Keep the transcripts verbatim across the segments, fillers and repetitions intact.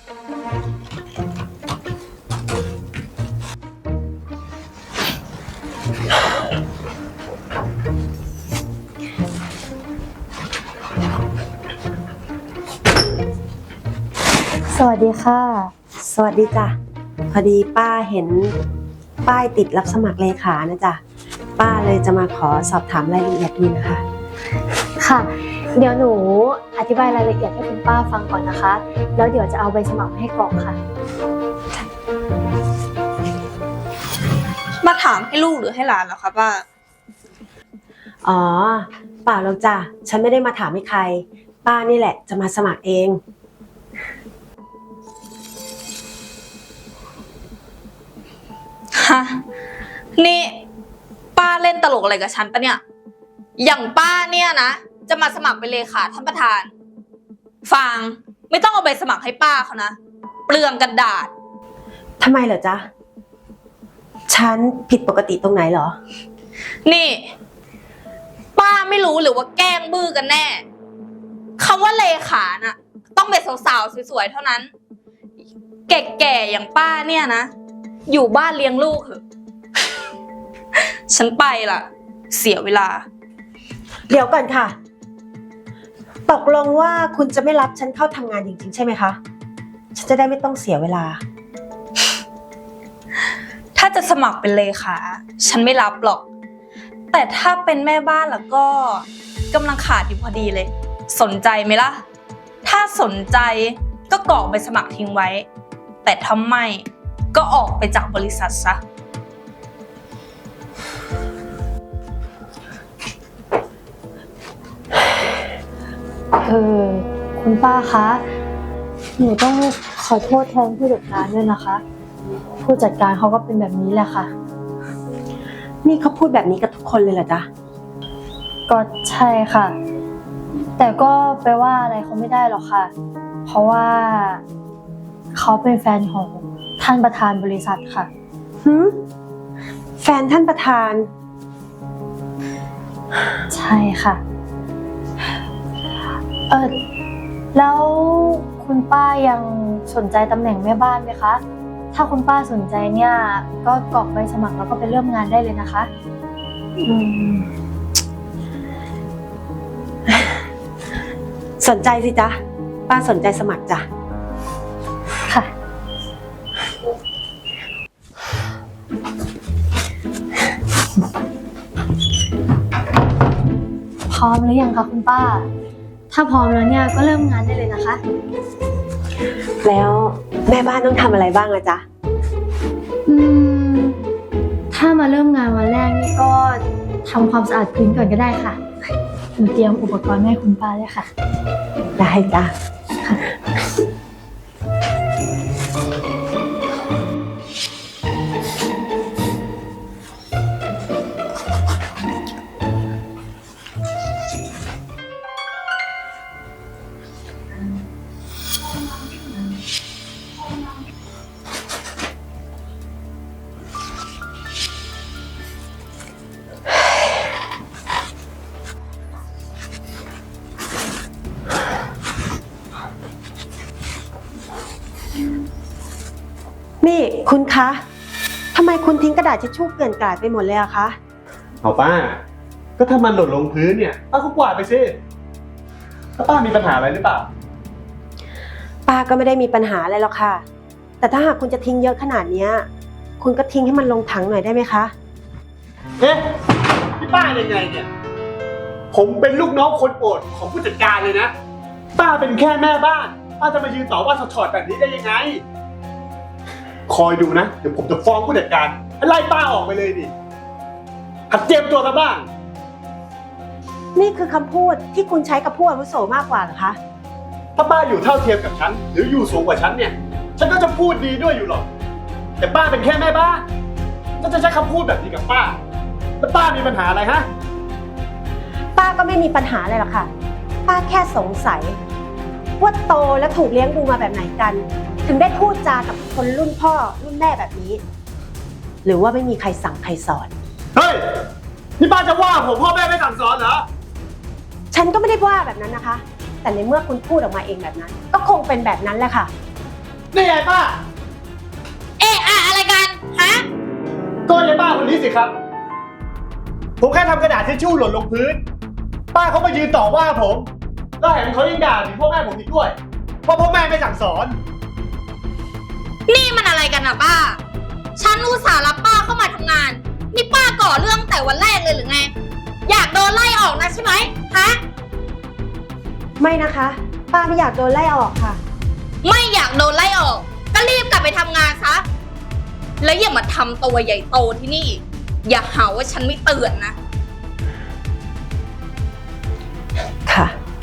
สวัสดีค่ะสวัสดีจ้ะพอดีป้าเห็นป้ายติดรับสมัครเลขานะจ๊ะป้าเลยจะมาขอสอบถามรายละเอียดดูนะคะค่ะเดี๋ยวหนูอธิบายรายละเอียดให้คุณป้าฟังก่อนนะคะแล้วเดี๋ยวจะเอาใบสมัครมาให้กรอกค่ะมาถามให้ลูกหรือให้หลานเหรอคะป้าอ๋อเปล่าหรอกจ้ะฉันไม่ได้มาถามให้ใครป้านี่แหละจะมาสมัครเองฮะนี่ป้าเล่นตลกอะไรกับฉันปะเนี่ยอย่างป้าเนี่ยนะจะมาสมัครเป็นเลขาท่านประธานฟางไม่ต้องเอาใบสมัครให้ป้าเขานะเปลืองกระดาษทำไมเหรอจ๊ะฉันผิดปกติตรงไหนเหรอนี่ป้าไม่รู้หรือว่าแกล้งบื้อกันแน่คำว่าเลขาน่ะต้องเป็นสาวๆสวยๆเท่านั้นแก่ๆอย่างป้าเนี่ยนะอยู่บ้านเลี้ยงลูกเหอะฉันไปล่ะเสียเวลาเดี๋ยวก่อนค่ะตกลงว่าคุณจะไม่รับฉันเข้าทำงานจริงๆใช่ไหมคะฉันจะได้ไม่ต้องเสียเวลาถ้าจะสมัครเป็นเลขาฉันไม่รับหรอกแต่ถ้าเป็นแม่บ้านแล้วก็กำลังขาดอยู่พอดีเลยสนใจไหมล่ะถ้าสนใจก็กรอกใบสมัครทิ้งไว้แต่ถ้าไม่ก็ออกไปจากบริษัทซะเออคุณป้าคะหนูต้องขอโทษแทนผู้จัดการด้วยนะคะผู้จัดการเขาก็เป็นแบบนี้แหละค่ะนี่เขาพูดแบบนี้กับทุกคนเลยเหรอจ๊ะก็ใช่ค่ะแต่ก็ไปว่าอะไรเขาไม่ได้หรอกค่ะเพราะว่าเขาเป็นแฟนของท่านประธานบริษัทค่ะหืมแฟนท่านประธานใช่ค่ะเออแล้วคุณป้ายังสนใจตำแหน่งแม่บ้านไหมคะถ้าคุณป้าสนใจเนี่ยก็กรอกใบสมัครแล้วก็ไปเริ่มงานได้เลยนะคะอืมสนใจสิจ๊ะป้าสนใจสมัครจ้ะค่ะพร้อมหรือยังคะคุณป้าถ้าพร้อมแล้วเนี่ยก็เริ่มงานได้เลยนะคะแล้วแม่บ้านต้องทำอะไรบ้างอะจ๊ะอืมถ้ามาเริ่มงานวันแรกนี่ก็ทำความสะอาดพื้นก่อนก็ได้ค่ะหนูเตรียมอุปกรณ์ให้คุณป้าเลยค่ะได้จ้ะนี่คุณคะทำไมคุณทิ้งกระดาษทิชชู่เกลื่อนกลาดไปหมดเลยอะคะเอาป้าก็ถ้ามันหล่นลงพื้นเนี่ยป้าก็กวาดไปสิถ้าป้ามีปัญหาอะไรหรือเปล่าป้าก็ไม่ได้มีปัญหาอะไรหรอกค่ะแต่ถ้าหากคุณจะทิ้งเยอะขนาดนี้คุณก็ทิ้งให้มันลงถังหน่อยได้ไหมคะเอ๊ะพี่ป้ายังไงเนี่ยผมเป็นลูกน้องคนโปรดของผู้จัดการเลยนะป้าเป็นแค่แม่บ้านป้าจะมายืนต่อว่าถอดแบบนี้ได้ยังไงคอยดูนะเดี๋ยวผมจะฟ้องผู้จัดการไล่ป้าออกไปเลยดิหัดเตรียมตัวซะบ้างนี่คือคำพูดที่คุณใช้กับผู้อาวุโสมากกว่าเหรอคะถ้าป้าอยู่เท่าเทียมกับฉันหรืออยู่สูงกว่าฉันเนี่ยฉันก็จะพูดดีด้วยอยู่หรอกแต่ป้าเป็นแค่แม่บ้านก็จะใช้คำพูดแบบนี้กับป้าแล้วป้ามีปัญหาอะไรฮะป้าก็ไม่มีปัญหาอะไรหรอกค่ะป้าแค่สงสัยว่าโตและถูกเลี้ยงดูมาแบบไหนกันถึงได้พูดจากับคนรุ่นพ่อรุ่นแม่แบบนี้หรือว่าไม่มีใครสั่งใครสอนเฮ้ยนี่ป้าจะว่าผมพ่อแม่ไม่สั่งสอนเหรอฉันก็ไม่ได้ว่าแบบนั้นนะคะแต่ในเมื่อคุณพูดออกมาเองแบบนั้นก็คงเป็นแบบนั้นแหละค่ะนี่ไงป้าเอ๊ะอะอะไรกัน ฮะก็ยายป้าคนนี้สิครับ ผมแค่ทำกระดาษทิชชู่หล่นลงพื้น ป้าเขามายืนต่อว่าผมแล้วแถมเขายังด่าถึงพ่อแม่ผมอีกด้วยว่าพ่อแม่ไม่สั่งสอนนี่มันอะไรกันอะป้า ฉันอุตส่าห์รับป้าเข้ามาทำงาน นี่ป้าก่อเรื่องแต่วันแรกเลยหรือไง อยากโดนไล่ออกนะใช่ไหมฮะไม่นะคะ ป้าไม่อยากโดนไล่ออกค่ะไม่อยากโดนไล่ออก ก็รีบกลับไปทำงานซะ แล้วอย่ามาทำตัวใหญ่โตที่นี่ อย่าหาว่าฉันไม่เตือนนะค่ะ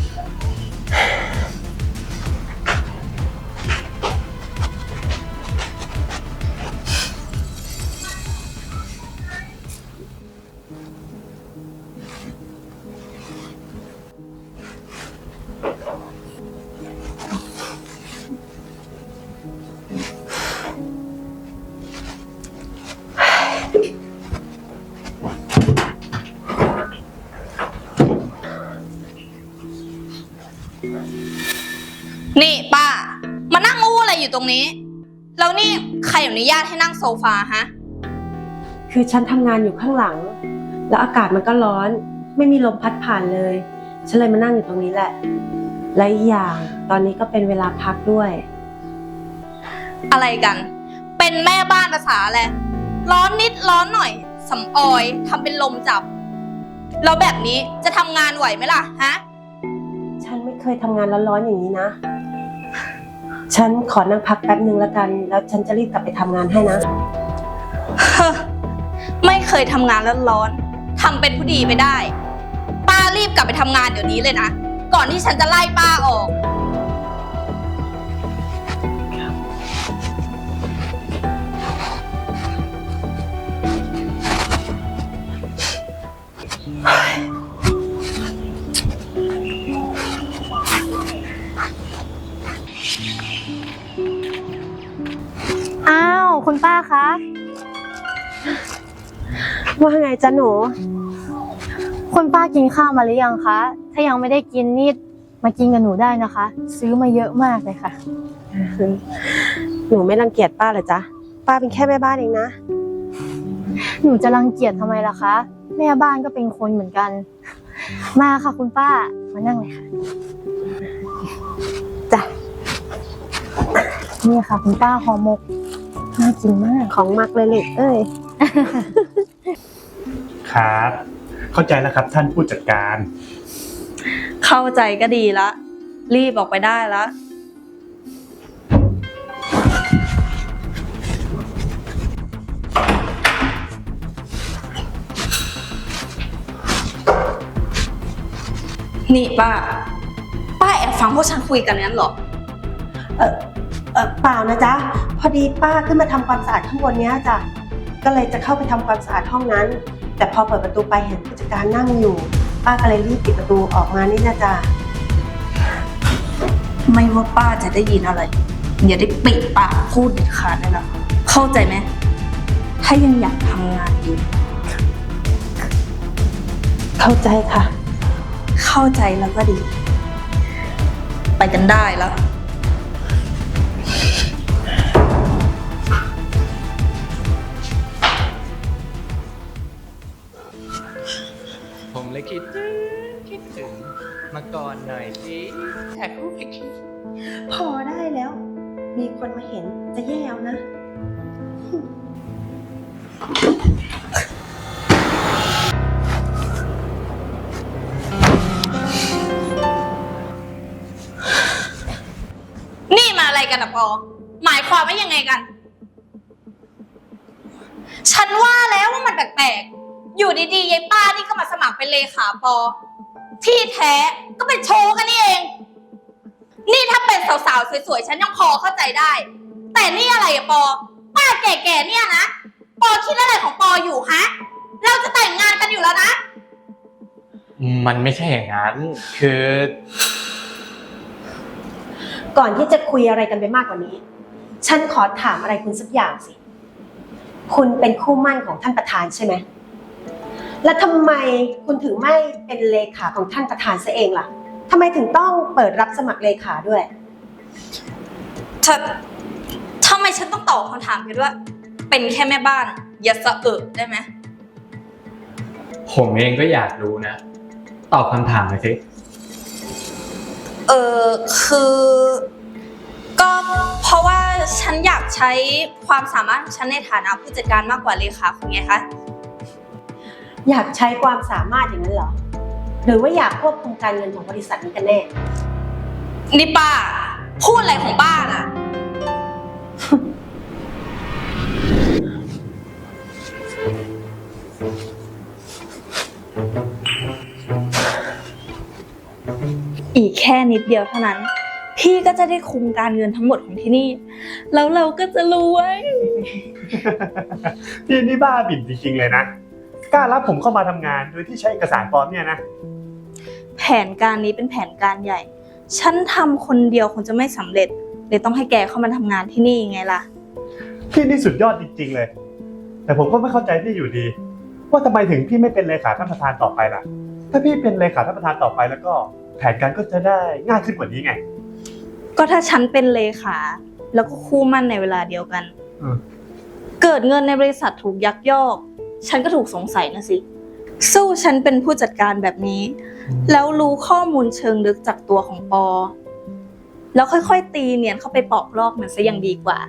นี่ป้า มานั่งอู้อะไรอยู่ตรงนี้ แล้วนี่ใครอนุญาตให้นั่งโซฟาฮะคือฉันทำงานอยู่ข้างหลัง แล้วอากาศมันก็ร้อน ไม่มีลมพัดผ่านเลย ฉันเลยมานั่งอยู่ตรงนี้แหละ และอีกอย่างตอนนี้ก็เป็นเวลาพักด้วยอะไรกัน เป็นแม่บ้านภาษาแหละไรร้อนนิดร้อนหน่อยสำออยทำเป็นลมจับ แล้วแบบนี้จะทำงานไหวไหมล่ะฮะฉันไม่เคยทำงานร้อนๆอย่างนี้นะ ฉันขอนั่งพักแป๊บนึงแล้วกัน แล้วฉันจะรีบกลับไปทำงานให้นะไม่เคยทำงานแล้วร้อนทำเป็นผู้ดีไปได้ ป้ารีบกลับไปทำงานเดี๋ยวนี้เลยนะ ก่อนที่ฉันจะไล่ป้าออกอ้าว คุณป้าคะว่าไงจ๊ะหนูคุณป้ากินข้าวมาหรือยังคะ ถ้ายังไม่ได้กินนี่มากินกับหนูได้นะคะ ซื้อมาเยอะมากเลยค่ะหนูไม่รังเกียจป้าเหรอจ๊ะ ป้าเป็นแค่แม่บ้านเองนะหนูจะรังเกียจทำไมล่ะคะ แม่บ้านก็เป็นคนเหมือนกัน มาค่ะคุณป้า มานั่งเลยค่ะจ้ะนี่ค่ะคุณป้าห่อหมก น่ากินมากของมักเลยลูกเอ้ยครับ เข้าใจแล้วครับท่านผู้จัดการเข้าใจก็ดีละ รีบออกไปได้ละ นี่ป้า ป้าแอบฟังพวกฉันคุยกันนั้นเหรอเออเออเปล่านะจ๊ะ พอดีป้าขึ้นมาทำความสะอาดข้างบนเนี้ยจ้ะ ก็เลยจะเข้าไปทำความสะอาดห้องนั้น แต่พอเปิดประตูไปเห็นผู้จัดการนั่งอยู่ ป้าก็เลยรีบปิดประตูออกมานี่นะจ๊ะไม่ว่าป้าจะได้ยินอะไร อย่าได้ปิดปากพูดเด็ดขาดเลยนะเข้าใจไหม ถ้ายังอยากทำงานอยู่เข้าใจค่ะเข้าใจแล้วก็ดี ไปกันได้แล้วผมเลยคิดถึงคิดถึงมาก่อนหน่อยสิแท็กรูปอีกทีพอได้แล้ว มีคนมาเห็นจะแย่เอานะนี่มาอะไรกันอะปอ หมายความว่ายังไงกัน ฉันว่าแล้วว่ามันแปลกๆ อยู่ดีๆยายป้านี่ก็มาสมัครเป็นเลขาปอ ที่แท้ก็เป็นโชว์กันนี่เอง นี่ถ้าเป็นสาวๆสวยๆฉันยังพอเข้าใจได้ แต่นี่อะไรอะปอ ป้าแก่ๆเนี่ยนะ ปอคิดอะไรของปออยู่ฮะ เราจะแต่งงานกันอยู่แล้วนะมันไม่ใช่อย่างนั้น คือก่อนที่จะคุยอะไรกันไปมากกว่านี้ ฉันขอถามอะไรคุณสักอย่างสิ คุณเป็นคู่หมั่นของท่านประธานใช่ไหม แล้วทำไมคุณถึงไม่เป็นเลขาของท่านประธานซะเองล่ะทำไมถึงต้องเปิดรับสมัครเลขาด้วยถ้าทำไมฉันต้องตอบคำถามแค่ว่า เป็นแค่แม่บ้าน อย่าสะเอะได้ไหมผมเองก็อยากรู้นะ ตอบคำถามหน่อยสิเออคือ ก็เพราะว่าฉันอยากใช้ความสามารถของฉันในฐานะผู้จัดการมากกว่าเลขาคุณไงคะอยากใช้ความสามารถอย่างนั้นเหรอ หรือว่าอยากควบคุมการเงินของบริษัทนี้กันแน่นี่ป้า พูดอะไรของป้าน่ะ อีกแค่นิดเดียวเท่านั้น พี่ก็จะได้คุมการเงินทั้งหมดของที่นี่ แล้วเราก็จะรวยพี่นี่บ้าบิ่นจริงๆเลยนะ กล้ารับผมเข้ามาทำงานโดยที่ใช้เอกสารปลอมเนี่ยนะแผนการนี้เป็นแผนการใหญ่ ฉันทำคนเดียวคงจะไม่สำเร็จเลยต้องให้แกเข้ามาทำงานที่นี่ไงล่ะพี่นี่สุดยอดจริงๆเลย แต่ผมก็ไม่เข้าใจพี่อยู่ดี ว่าทำไมถึงพี่ไม่เป็นเลขาท่านประธานต่อไปล่ะ ถ้าพี่เป็นเลขาท่านประธานต่อไปแล้วก็แผนการก็จะได้ง่ายขึ้นกว่านี้ไงก็ถ้าฉันเป็นเลขาแล้วก็คู่มั่นในเวลาเดียวกันอืมเกิดเงินในบริษัทถูกยักยอก ฉันก็ถูกสงสัยนะสิ สู้ฉันเป็นผู้จัดการแบบนี้ แล้วรู้ข้อมูลเชิงลึกจากตัวของปอ แล้วค่อยๆตีเนียนเข้าไปปอกลอกมันซะยังดีกว่า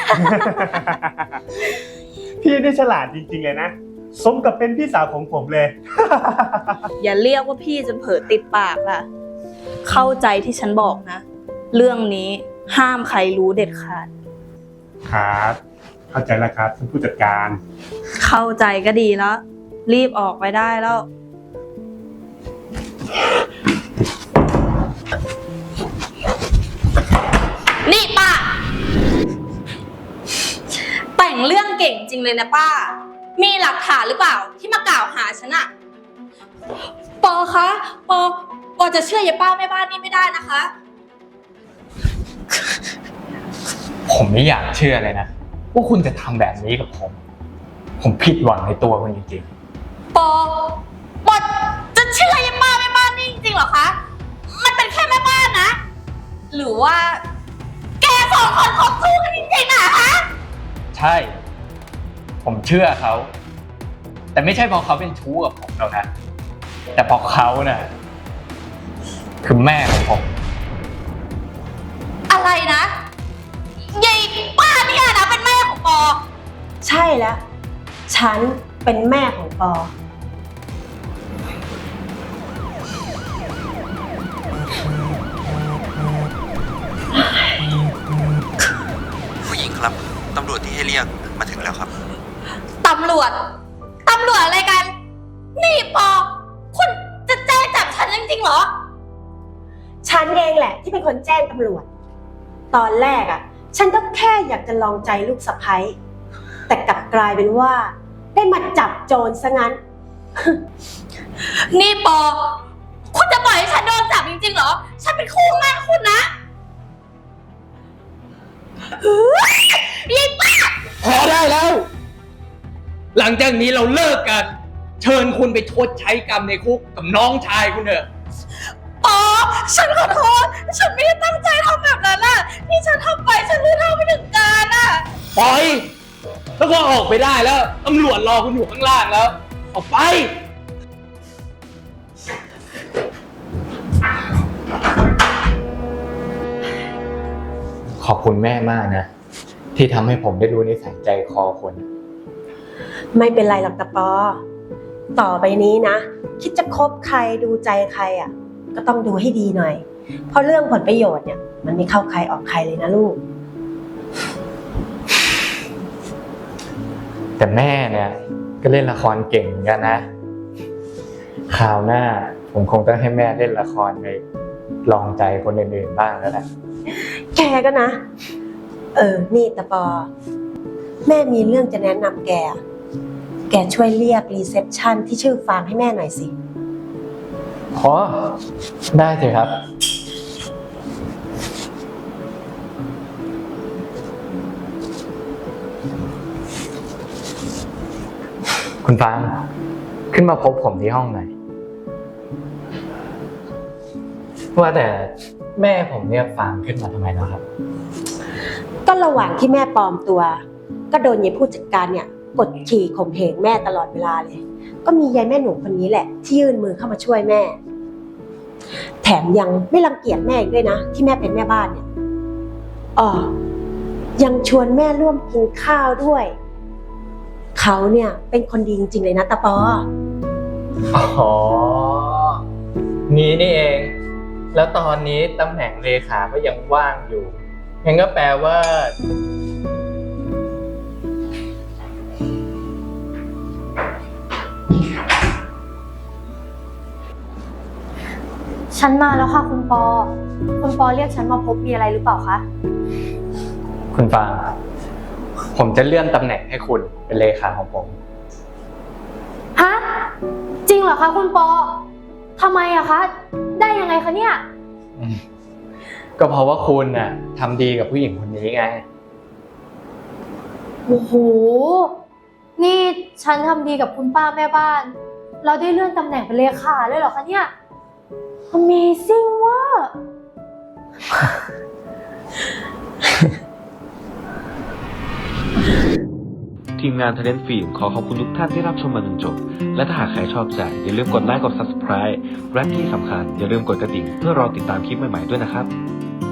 พี่นี่ฉลาดจริงๆเลยนะ สมกับเป็นพี่สาวของผมเลยอย่าเรียกว่าพี่จนเผลอติดปากล่ะ เข้าใจที่ฉันบอกนะ เรื่องนี้ห้ามใครรู้เด็ดขาดครับ เข้าใจแล้วครับท่านผู้จัดการเข้าใจก็ดีแล้ว รีบออกไปได้แล้ว นี่ป้า แต่งเรื่องเก่งจริงเลยนะป้า มีหลักฐานหรือเปล่าที่มากล่าวหาฉันอะปอคะปอปอจะเชื่อยายป้าแม่บ้านนี่ไม่ได้นะคะผมไม่อยากเชื่อเลยนะ ว่าคุณจะทำแบบนี้กับผม ผมผิดหวังในตัวคุณจริงปอปอจะเชื่อยายป้าแม่บ้านนี่จริงๆเหรอคะ มันเป็นแค่แม่บ้านนะ หรือว่า แกสองคนคบคู่กันจริงๆอะฮะๆ ใช่ ผมเชื่อเขา แต่ไม่ใช่เพราะเขาเป็นชู้กับผมหรอกนะ แต่เพราะเขาน่ะคือแม่ของผมอะไรนะยายป้าเนี่ยนะเป็นแม่ของปอใช่แล้ว ฉันเป็นแม่ของปอผู้หญิงครับ ตำรวจที่ให้เรียกมาถึงแล้วครับตำรวจ ตำรวจอะไรกัน นี่ปอ คุณจะแจ้งจับฉันจริงๆเหรอฉันเองแหละที่เป็นคนแจ้งตำรวจ ตอนแรกอ่ะ ฉันก็แค่อยากจะลองใจลูกสะใภ้แต่กลับกลายเป็นว่า ได้มาจับโจรซะงั้นนี่ปอ คุณจะปล่อยให้ฉันโดนจับจริงๆเหรอ ฉันเป็นคู่มั่นคุณนะเฮ้ยยายป้าพอได้แล้ว หลังจากนี้เราเลิกกัน เชิญคุณไปชดใช้กรรมในคุกกับน้องชายคุณเถอะปอ ฉันขอโทษ ฉันไม่ได้ตั้งใจทำแบบนั้นน่ะที่ฉันทำไปฉันรู้เท่าไม่ถึงการน่ะปล่อย แล้วก็ออกไปได้แล้ว ตำรวจรอคุณอยู่ข้างล่างแล้ว ออกไป ขอบคุณแม่มากนะ ที่ทำให้ผมได้รู้นิสัยใจคอคนไม่เป็นไรหรอกตะปอ ต่อไปนี้นะ คิดจะคบใครดูใจใครอ่ะ ก็ต้องดูให้ดีหน่อย เพราะเรื่องผลประโยชน์เนี่ย มันไม่เข้าใครออกใครเลยนะลูกแต่แม่เนี่ยก็เล่นละครเก่งเหมือนกันนะ คราวหน้าผมคงต้องให้แม่เล่นละครไปลองใจคนอื่นๆบ้างแล้วแหละแกก็นะ เออ นี่ตะปอ แม่มีเรื่องจะแนะนำแก แกช่วยเรียกรีเซพชันที่ชื่อฟางให้แม่หน่อยสิอ๋อ ได้สิครับ คุณฟางขึ้นมาพบผมที่ห้องหน่อยว่าแต่แม่ผมเรียกฟางขึ้นมาทำไมแล้วครับก็ระหว่างที่แม่ปลอมตัว ก็โดนยายผู้จัดการเนี่ยกดขี่ข่มเหงแม่ตลอดเวลาเลย ก็มียายแม่หนูคนนี้แหละ ที่ยื่นมือเข้ามาช่วยแม่ แถมยังไม่รังเกียจแม่อีกด้วยนะ ที่แม่เป็นแม่บ้านเนี่ยอ๋อยังชวนแม่ร่วมกินข้าวด้วย เขาเนี่ยเป็นคนดีจริงๆเลยนะตาปออ๋อ งี้นี่เอง แล้วตอนนี้ตำแหน่งเลขาก็ยังว่างอยู่งั้นก็แปลว่าฉันมาแล้วค่ะคุณปอ คุณปอเรียกฉันมาพบมีอะไรหรือเปล่าคะคุณฟาง ผมจะเลื่อนตำแหน่งให้คุณเป็นเลขาของผมฮะ จริงเหรอคะคุณปอ ทำไมอะคะ ได้ยังไงคะเนี่ยอืมก็เพราะว่าคุณน่ะทำดีกับผู้หญิงคนนี้ไงโอ้โห นี่ฉันทำดีกับคุณป้าแม่บ้าน เราได้เลื่อนตำแหน่งเป็นเลขาเลยเหรอคะเนี่ย Amazing ว่ะทีมงาน Talent Film ขอขอบคุณทุกท่านที่รับชมมาจนจบ และถ้าหากใครชอบใจอย่าลืมกดไลค์กด ซับสไครบ์ และที่สำคัญอย่าลืมกดกระดิ่งเพื่อรอติดตามคลิปใหม่ๆด้วยนะครับ